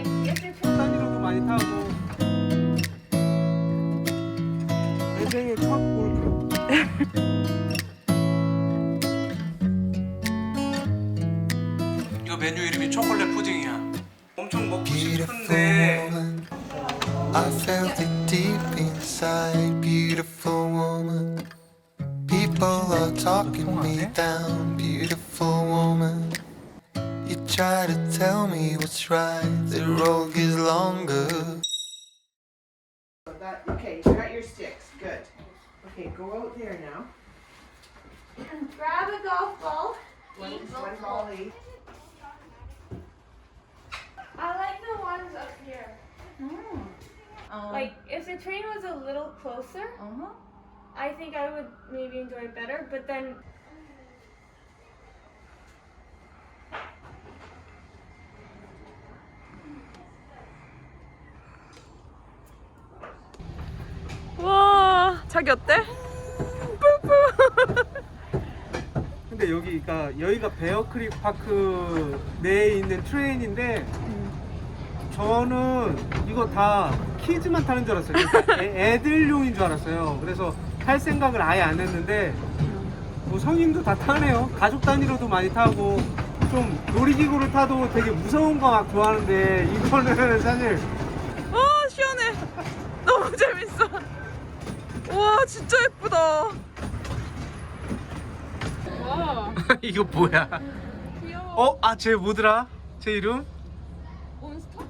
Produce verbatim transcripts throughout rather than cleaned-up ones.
Like if it's 단위로도 많이 타고. 내 생애 첫 골프. 이거 메뉴 이름이 초콜릿 푸딩이야. 엄청 먹고 싶은데. I felt it deep inside, beautiful woman. People are talking me down, beautiful woman. You try to tell me what's right, the road is longer. That, okay, you got your sticks. Good. Okay, go out there now. grab a golf ball. One, each one ball each. I like the ones up here. Um, Like if the train was a little closer, uh-huh. I think I would maybe enjoy it better. But then 와, 자기 어때? 뿌뿌. 근데 여기가 여기가 베어크릭 파크 내에 있는 트레인인데 저는 이거 다 키즈만 타는 줄 알았어요. 그러니까 애, 애들용인 줄 알았어요. 그래서 탈 생각을 아예 안 했는데 뭐 성인도 다 타네요. 가족 단위로도 많이 타고 좀 놀이기구를 타도 되게 무서운 거 막 좋아하는데 이거는 사실 와, 시원해. 너무 재밌어. 와, 진짜 예쁘다. 와, 이거 뭐야? 귀여워. 어? 아, 쟤 뭐더라? 제 이름? 몬스터?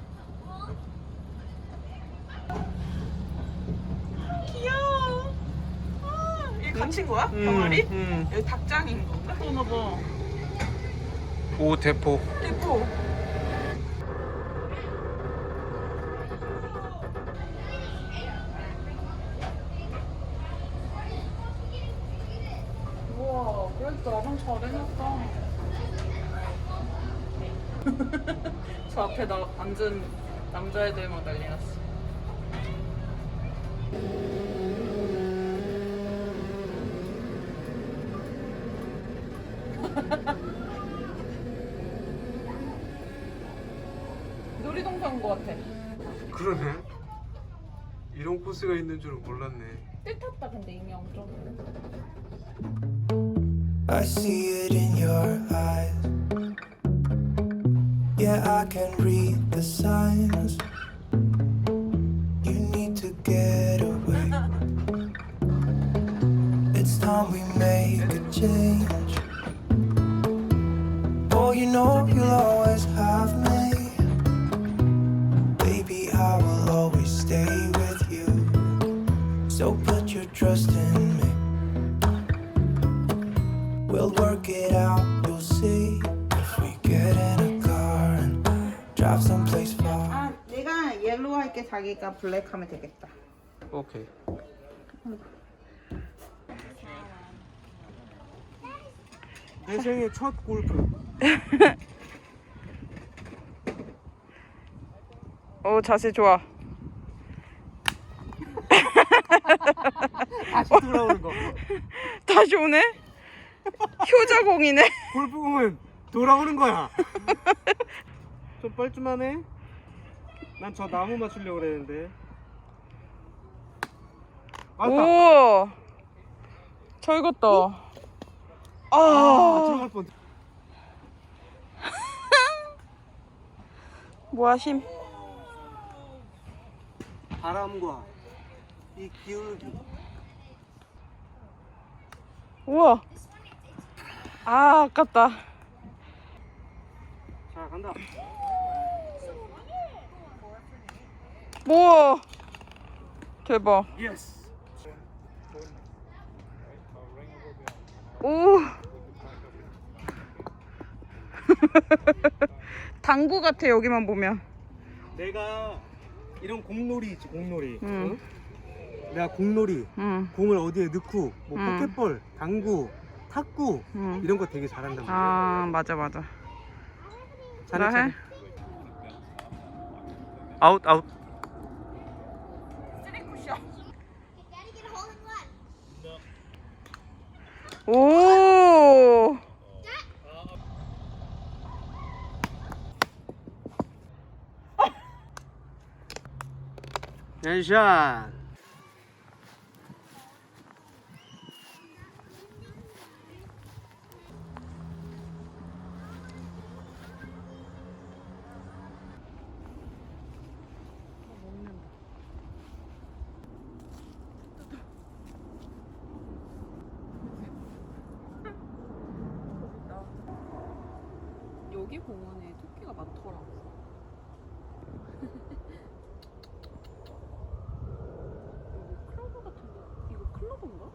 귀여워. 아, 이게 갇힌 거야? 병아리? 음. 여기 닭장인 건가? 그러나 봐. 오, 대포. 예뻐. 우와, 그래도 나름 잘 해놨다. 저 앞에 나 앉은 남자애들만 난리 났어. 놀이동산 온 거 같아. 그러네. 이런 코스가 있는 줄은 몰랐네. 뜰 탔다 근데 이미 엄청. I see it in your eyes. Yeah, I can read the signs. You need to get away. It's time we make a change. Oh, you know you'll always have me. Baby, I will always stay with you. So put your trust in me. We'll work it out, you'll see. If we get in a car and drive someplace far. 아, 내가 옐로우 할게. 자기가 블랙 하면 되겠다. 오케이. 내 생애 첫 골프. 오, 자세 좋아. 다시 돌아오는 거. 다시 오네? 효자공이네. 골프공은 돌아오는 거야. 좀 뻘쭘하네. 난 저 나무 맞추려고 그랬는데. 맞다. 오, 잘 익었다. 아, 아, 들어갈 뻔. 뭐야, 힘. 바람과 이 기울기. 우와. 아, 아깝다. 자, 간다. 우와. 대박. 예스. 오. 당구 같아, 여기만 보면. 내가 이런 공놀이 있지, 공놀이. 응. 응? 내가 공놀이, 응. 공을 어디에 넣고, 뭐 응. 포켓볼, 당구, 탁구 응. 이런 거 되게 잘한단 말이야. 아, 맞아, 맞아. 잘해, 나 해? 잘해. 아웃, 아웃. 오. 샷. 여기 공원에 토끼가 많더라. 이거 클로버 같은데 이거 클로버인가?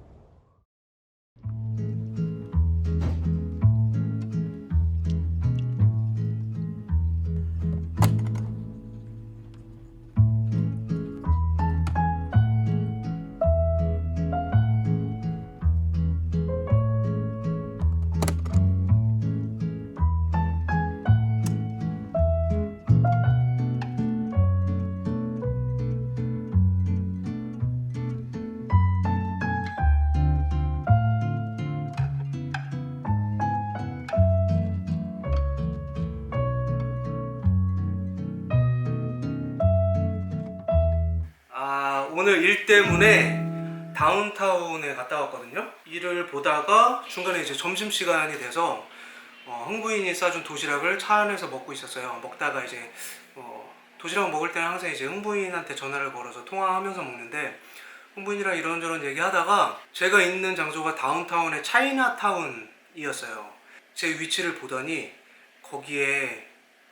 아, 오늘 일 때문에 다운타운에 갔다 왔거든요. 일을 보다가 중간에 이제 점심시간이 돼서 어, 흥부인이 싸준 도시락을 차 안에서 먹고 있었어요. 먹다가 이제 어, 도시락 먹을 때는 항상 이제 흥부인한테 전화를 걸어서 통화하면서 먹는데, 흥부인이랑 이런저런 얘기하다가 제가 있는 장소가 다운타운의 차이나타운이었어요. 제 위치를 보더니 거기에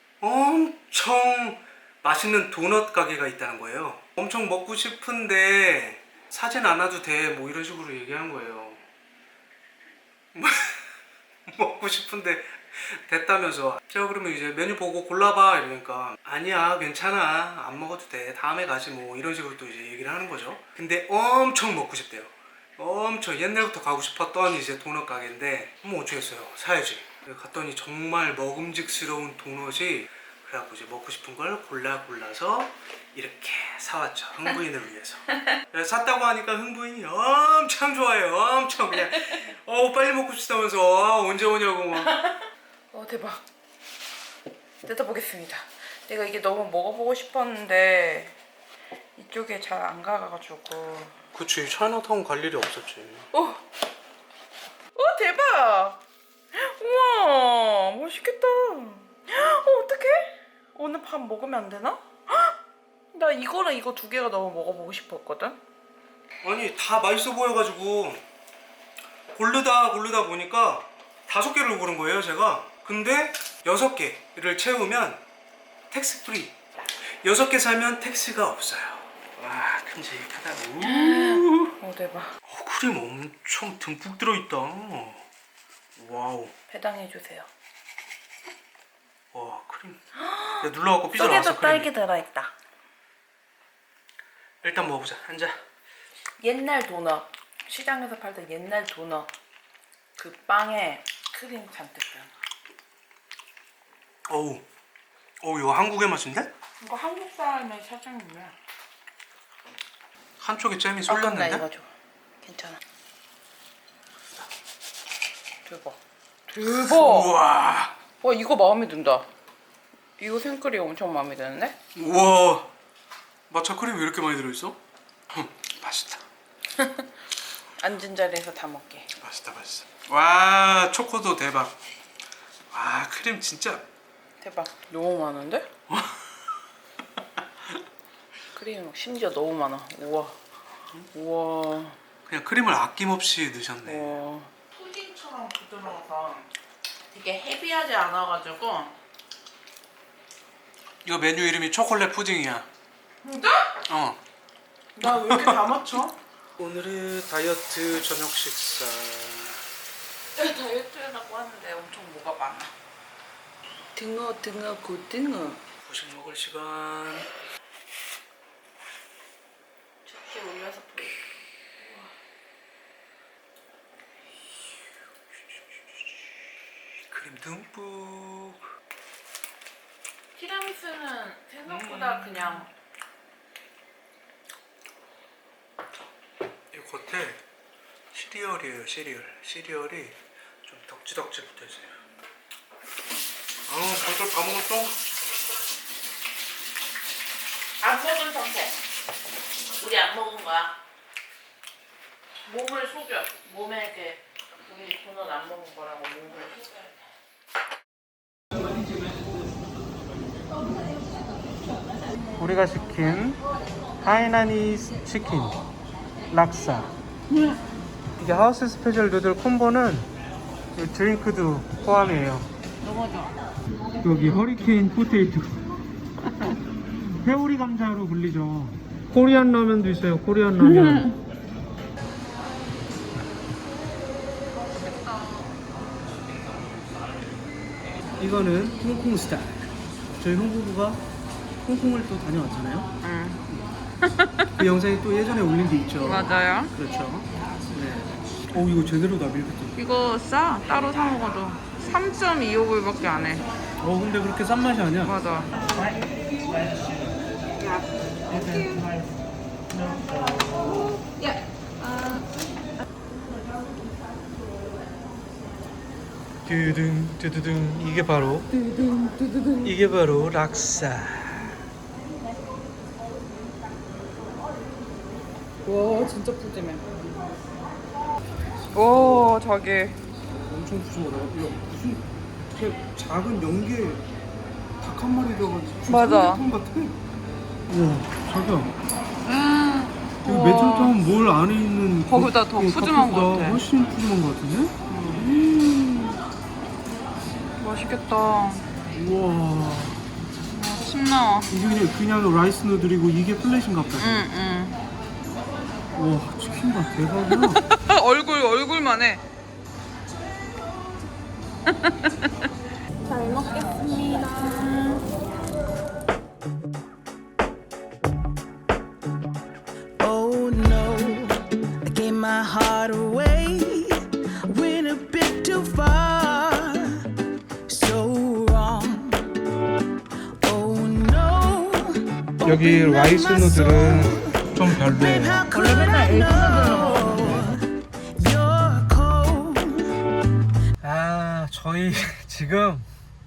엄청 맛있는 도넛 가게가 있다는 거예요. 엄청 먹고 싶은데 사진 안 와도 돼, 뭐 이런 식으로 얘기한 거예요. 먹고 싶은데 됐다면서. 제가 그러면 이제 메뉴 보고 골라봐 이러니까 아니야 괜찮아 안 먹어도 돼 다음에 가지 뭐 이런 식으로 또 이제 얘기를 하는 거죠. 근데 엄청 먹고 싶대요. 엄청 옛날부터 가고 싶었던 이제 도넛 가게인데 뭐 어쩌겠어요, 사야지. 갔더니 정말 먹음직스러운 도넛이, 그래갖고 이제 먹고 싶은 걸 골라 골라서 이렇게 사왔죠, 흥부인을 위해서. 샀다고 하니까 흥부인이 엄청 좋아해요. 엄청 그냥 어 빨리 먹고 싶다면서 아, 언제 오냐고 막. 어 대박. 뜯어보겠습니다. 내가 이게 너무 먹어보고 싶었는데 이쪽에 잘 안 가가지고. 그치, 차이나타운 갈 일이 없었지. 오, 오 대박. 우와 맛있겠다. 어 어떡해? 오늘 밥 먹으면 안 되나? 나 이거랑 이거 두 개가 너무 먹어보고 싶었거든. 아니 다 맛있어 보여가지고 고르다 고르다 보니까 다섯 개를 고른 거예요 제가. 근데 여섯 개를 채우면 텍스 프리, 여섯 개 사면 텍스가 없어요. 와 큼직하다. 오 대박. 어, 크림 엄청 듬뿍 들어있다. 와우. 배당해주세요. 와 크림. 야, 눌러갖고 삐져나왔어. 속에도 딸기 들어있다. 일단 먹어보자. 앉아. 옛날 도넛, 시장에서 팔던 옛날 도넛, 그 빵에 크림 잔뜩 든. 어우, 어우 이거 한국의 맛인데? 이거 한국 사람의 사장님이야. 한쪽에 잼이 아, 나 쏠렸는데? 이거 줘. 괜찮아. 대박. 대박. 우와. 와 이거 마음에 든다. 이거 생크림 엄청 마음에 드는데? 우와. 마차 크림이 왜 이렇게 많이 들어있어? 흠, 맛있다. 앉은 자리에서 다 먹게. 맛있다 맛있어. 와 초코도 대박. 와 크림 진짜. 대박. 너무 많은데? 크림이 막 심지어 너무 많아. 우와. 우와. 그냥 크림을 아낌없이 넣으셨네. 우와. 푸딩처럼 부드러워서 되게 헤비하지 않아가지고. 이거 메뉴 이름이 초콜릿 푸딩이야. 진짜? 어. 나 왜 이렇게 다 맞춰? 오늘의 다이어트 저녁 식사. 다이어트라고 하는데 엄청 뭐가 많아. 등어 등어 고등어. 후식 먹을 시간. 저렇게 올려서 보여. 크림 듬뿍. 티라미수는 생각보다 그냥 이 겉에 시리얼이에요. 시리얼. 시리얼이 좀 덕지덕지 붙어있어요. 아 벌써 다 먹었어? 안 먹은 상태. 우리 안 먹은 거야. 몸을 속여. 몸에 이렇게 우리 도넛 안 먹은 거라고 몸을 속여야 돼. 우리가 시킨 하이나니 치킨 락사. 이게 하우스 스페셜 누들 콤보는 이 드링크도 포함이에요. 너무 좋아. 여기 허리케인 포테이토. 회오리 감자로 불리죠. 코리안 라면도 있어요. 코리안 라면. 이거는 홍콩 스타일. 저희 홍보부가 홍콩을 또 다녀왔잖아요. 응. 그 영상이 또 예전에 올린 게 있죠. 맞아요. 그렇죠. 네. 오 이거 제대로다 밀크티. 이거 싸. 따로 사 먹어도 삼 점 이오 불밖에 안 해. 어 근데 그렇게 싼 맛이 아니야. 맞아. 두둥 두두둥 이게 바로 이게 바로 락사. 와 진짜 푸짐해. 오 저기 엄청 푸짐하다. 이거 무슨 이렇게 작은 연계 닭 한 마리 들어가지고 맞아. 삼계탕 같아. 우와 자기야. 여기 매점탕은 뭘 안에 있는 거기보다 그- 더 그 푸짐한 것 닭보다 같아. 훨씬 푸짐한 것 같은데? 맛있겠다. 우와 침 나와. 이게 그냥, 그냥 라이스 누들이고 이게 플랫인가 보다. 응응. 우와 치킨 봐 대박이야. 얼굴 얼굴만 해. 잘 먹겠습니다. Oh no, I gave my heart away. Went a bit too far, so wrong. Oh no. 여기 라이스 누들은 좀 별로예요. How could I know you're cold? 아 저희 지금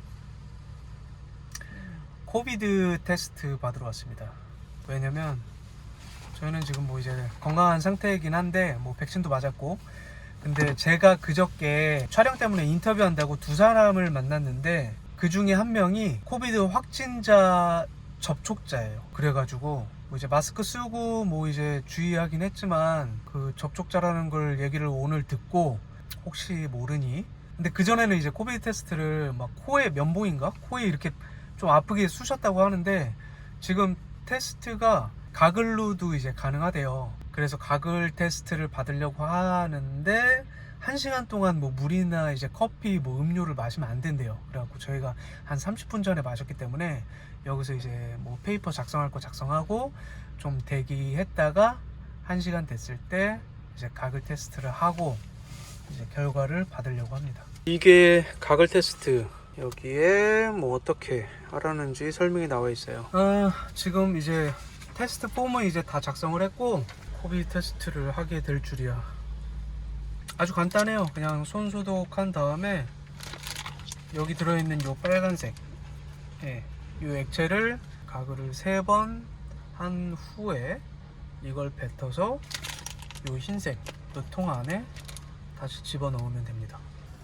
코비드 테스트 받으러 왔습니다. 왜냐면 저희는 지금 뭐 이제 건강한 상태이긴 한데 뭐 백신도 맞았고, 근데 제가 그저께 촬영 때문에 인터뷰한다고 두 사람을 만났는데 그 중에 한 명이 코비드 확진자 접촉자예요. 그래가지고 뭐 이제 마스크 쓰고 뭐 이제 주의하긴 했지만 그 접촉자라는 걸 얘기를 오늘 듣고 혹시 모르니, 근데 그전에는 이제 코비드 테스트를 막 코에 면봉인가? 코에 이렇게 좀 아프게 쑤셨다고 하는데 지금 테스트가 가글로도 이제 가능하대요. 그래서 가글 테스트를 받으려고 하는데 한 시간 동안 뭐 물이나 이제 커피 뭐 음료를 마시면 안 된대요. 그래갖고 저희가 한 삼십 분 전에 마셨기 때문에 여기서 이제 뭐 페이퍼 작성할 거 작성하고 좀 대기했다가 한 시간 됐을 때 이제 가글 테스트를 하고 이제 결과를 받으려고 합니다. 이게 가글 테스트. 여기에 뭐 어떻게 하라는지 설명이 나와 있어요. 아, 지금 이제 테스트 폼은 이제 다 작성을 했고 코비드 테스트를 하게 될 줄이야. 아주 간단해요. 그냥 손 소독한 다음에 여기 들어있는 요 빨간색, 예, 요 액체를 가글을 세 번 한 후에 이걸 뱉어서 요 흰색 요 통 안에 다시 집어 넣으면 됩니다.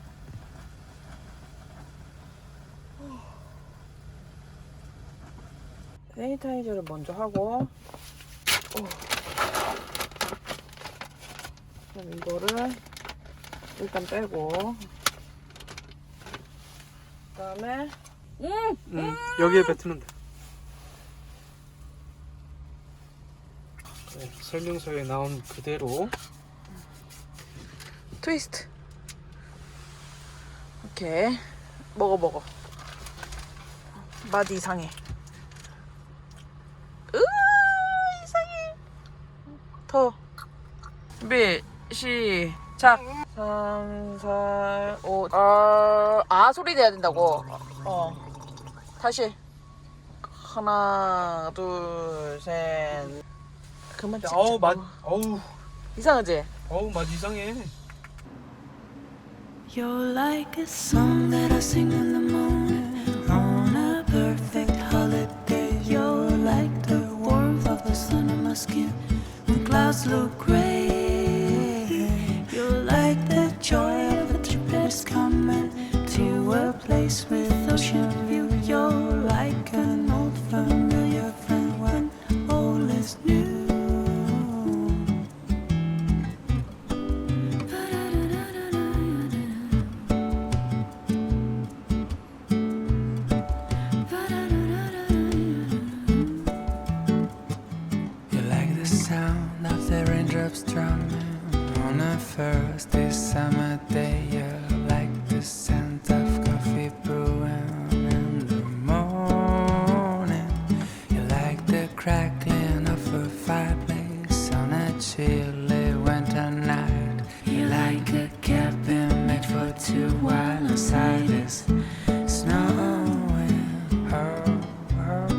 세니타이저를 먼저 하고, 그럼 이거를 일단 빼고, 그다음에 음, 음, 여기에 뱉으면 돼. 네, 설명서에 나온 그대로. 트위스트. 오케이, 먹어 먹어. 맛 이상해. 으 이상해. 더. 준비 시작. 삼, 사, 오. 아, 아 소리 내야 된다고. 어. 다시. 하나, 둘, 셋. 그만 찍자. 어우 맛, 어우, 이상하지? 어우 맛 이상해. You're like a song that I sing in the morning on a perfect holiday. You're like the warmth of the sun on my skin. clouds look gray. You're like the joy of a trip that is coming to a place with ocean view. You're like an old familiar friend when all is new. You like the sound of the raindrops drumming on a first day summer day. You like the scent of coffee brewing in the morning. You like the crackling of a fireplace on a chilly winter night. You like a cabin made for two while inside is snowing. Oh, oh.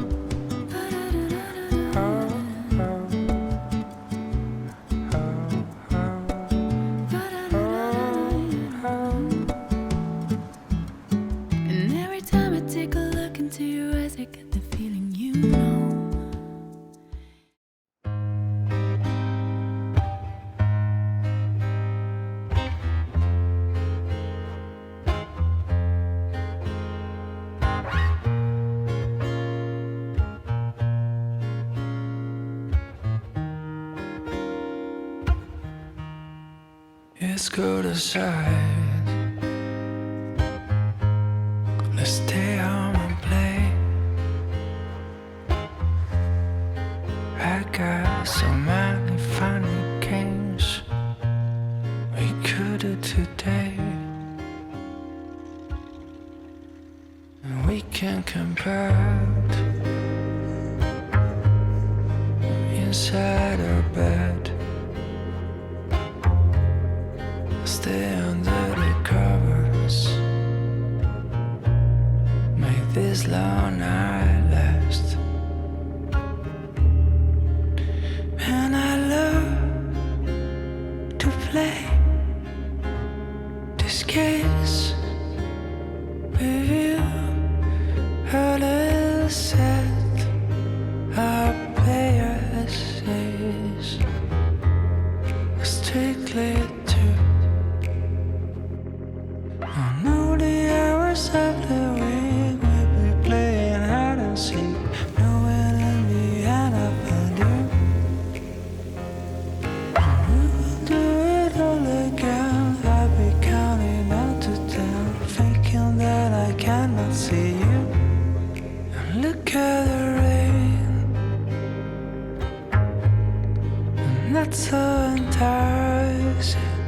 And every time I take a look into your eyes, I get the feeling you know. It's cold outside. Let's stay home and play. I got so many funny games we could do today, and we can compare inside our bed. Stay under the covers. Make this long night last. And I love to play this games with you. A little set our players says strictly true. I know the hours of the week we'll be playing hide and seek, knowing in the end I'll find you. We will do it all again. I'll be counting out to ten, thinking that I cannot see you. And look at the rain, and that's so enticing.